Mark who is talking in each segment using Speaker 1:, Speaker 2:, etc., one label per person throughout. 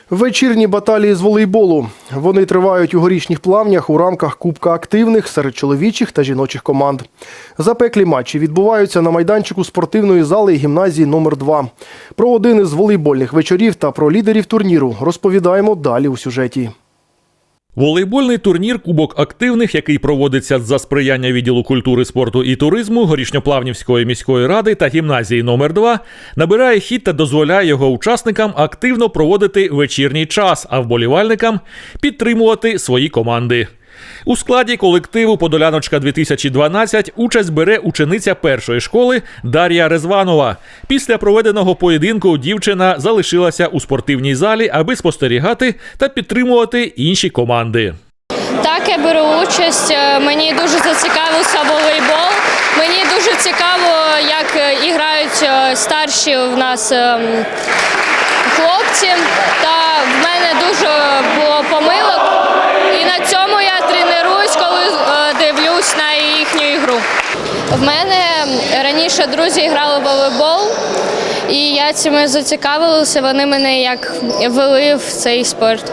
Speaker 1: Вечірні баталії з волейболу. Вони тривають у Горішніх Плавнях у рамках Кубка активних серед чоловічих та жіночих команд. Запеклі матчі відбуваються на майданчику спортивної зали гімназії номер 2. Про один із волейбольних вечорів та про лідерів турніру розповідаємо далі у сюжеті.
Speaker 2: Волейбольний турнір «Кубок активних», який проводиться за сприяння відділу культури, спорту і туризму Горішньоплавнівської міської ради та гімназії номер 2, набирає хід та дозволяє його учасникам активно проводити вечірній час, а вболівальникам підтримувати свої команди. У складі колективу «Подоляночка-2012» участь бере учениця першої школи Дар'я Резванова. Після проведеного поєдинку дівчина залишилася у спортивній залі, аби спостерігати та підтримувати інші команди.
Speaker 3: Так, я беру участь. Мені дуже зацікавився волейбол. Мені дуже цікаво, як грають старші в нас хлопці. Та в мене дуже було помилок. І на цьому я тренуюсь, коли дивлюсь на їхню ігру. В мене раніше друзі грали в волейбол, і я цим зацікавилася. Вони мене як вели в цей спорт.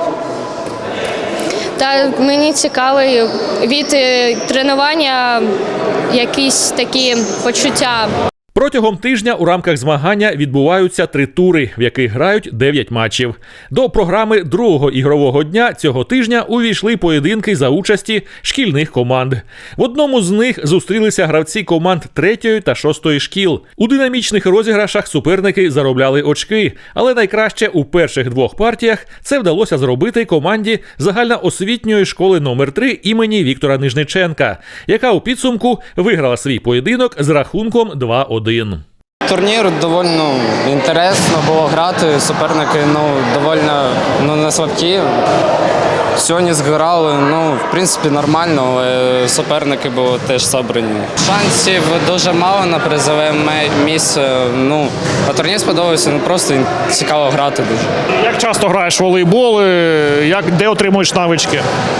Speaker 3: Та мені цікаво від тренування якісь такі почуття.
Speaker 2: Протягом тижня у рамках змагання відбуваються 3 тури, в яких грають 9 матчів. До програми другого ігрового дня цього тижня увійшли поєдинки за участі шкільних команд. В одному з них зустрілися гравці команд 3-ї та 6-ї шкіл. У динамічних розіграшах суперники заробляли очки, але найкраще у перших 2 партіях це вдалося зробити команді загальноосвітньої школи номер 3 імені Віктора Нижниченка, яка у підсумку виграла свій поєдинок з рахунком 2-1.
Speaker 4: Турнір доволі інтересно було грати, суперники доволі не слабкі. Сьогодні зграли, в принципі, нормально, але суперники були теж зібрані. Шансів дуже мало на призове місце. А турнір сподобався, просто цікаво грати дуже.
Speaker 5: Як часто граєш в волейбол, де отримуєш навички?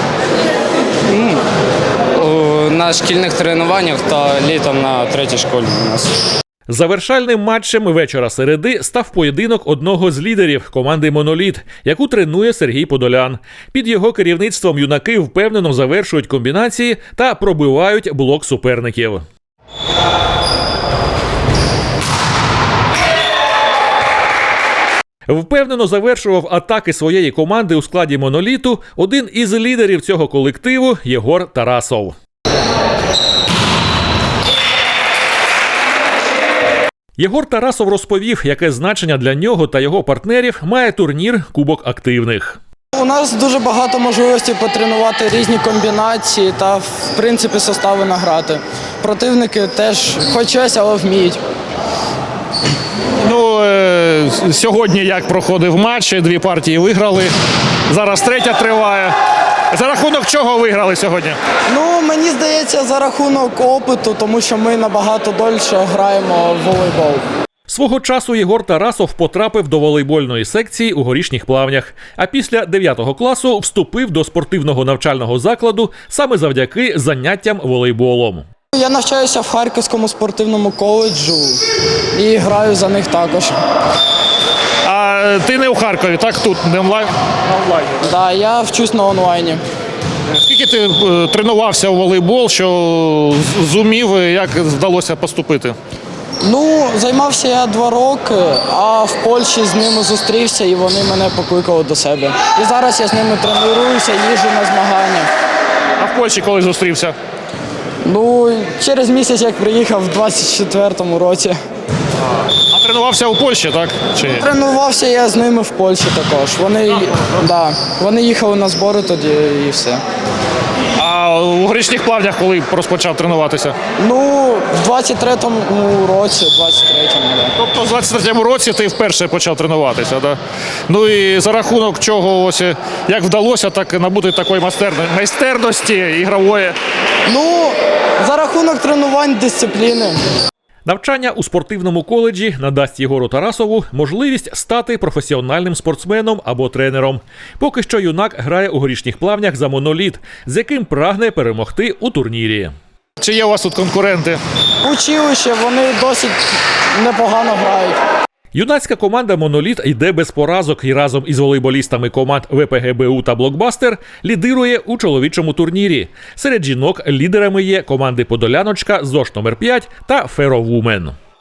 Speaker 4: На шкільних тренуваннях та літом на 3-й школі у нас.
Speaker 2: Завершальним матчем вечора середи став поєдинок одного з лідерів команди «Моноліт», яку тренує Сергій Подолян. Під його керівництвом юнаки впевнено завершують комбінації та пробивають блок суперників. Впевнено завершував атаки своєї команди у складі «Моноліту» один із лідерів цього колективу – Єгор Тарасов. Єгор Тарасов розповів, яке значення для нього та його партнерів має турнір «Кубок активних».
Speaker 6: У нас дуже багато можливостей потренувати різні комбінації та, в принципі, состави награти. Противники теж хоч щось, але вміють.
Speaker 5: Сьогодні як проходив матч, 2 партії виграли, зараз 3-я триває. За рахунок чого виграли сьогодні?
Speaker 6: Мені здається, за рахунок опиту, тому що ми набагато дольше граємо в волейбол.
Speaker 2: Свого часу Єгор Тарасов потрапив до волейбольної секції у Горішніх Плавнях, а після 9 класу вступив до спортивного навчального закладу саме завдяки заняттям волейболом.
Speaker 6: Я навчаюся в Харківському спортивному коледжу і граю за них також.
Speaker 5: А ти не у Харкові, так? Тут, не онлайн?
Speaker 6: Так, да, я вчусь на онлайні.
Speaker 5: Скільки ти тренувався у волейбол, що зумів, як вдалося поступити?
Speaker 6: Займався я 2 роки, а в Польщі з ними зустрівся і вони мене покликали до себе. І зараз я з ними тренуюся, їжджу на змагання.
Speaker 5: А в Польщі коли зустрівся?
Speaker 6: Через місяць, як приїхав в 24-му році.
Speaker 5: А тренувався у Польщі, так? Чи ні?
Speaker 6: Тренувався я з ними в Польщі також. Вони їхали на збори тоді і все.
Speaker 5: А у Горішніх Плавнях коли розпочав тренуватися?
Speaker 6: В 23-му році, 23-му, так.
Speaker 5: Тобто в 23-му році ти вперше почав тренуватися, так? І за рахунок чого, як вдалося так набути такої майстерності ігрової?
Speaker 6: За рахунок тренувань, дисципліни.
Speaker 2: Навчання у спортивному коледжі надасть Єгору Тарасову можливість стати професіональним спортсменом або тренером. Поки що юнак грає у Горішніх Плавнях за «Моноліт», з яким прагне перемогти у турнірі.
Speaker 5: Чи є у вас тут конкуренти?
Speaker 6: Училище, вони досить непогано грають.
Speaker 2: Юнацька команда «Моноліт» йде без поразок і разом із волейболістами команд ВПГБУ та «Блокбастер» лідирує у чоловічому турнірі. Серед жінок лідерами є команди «Подоляночка», «ЗОШ номер 5» та «Феровумен».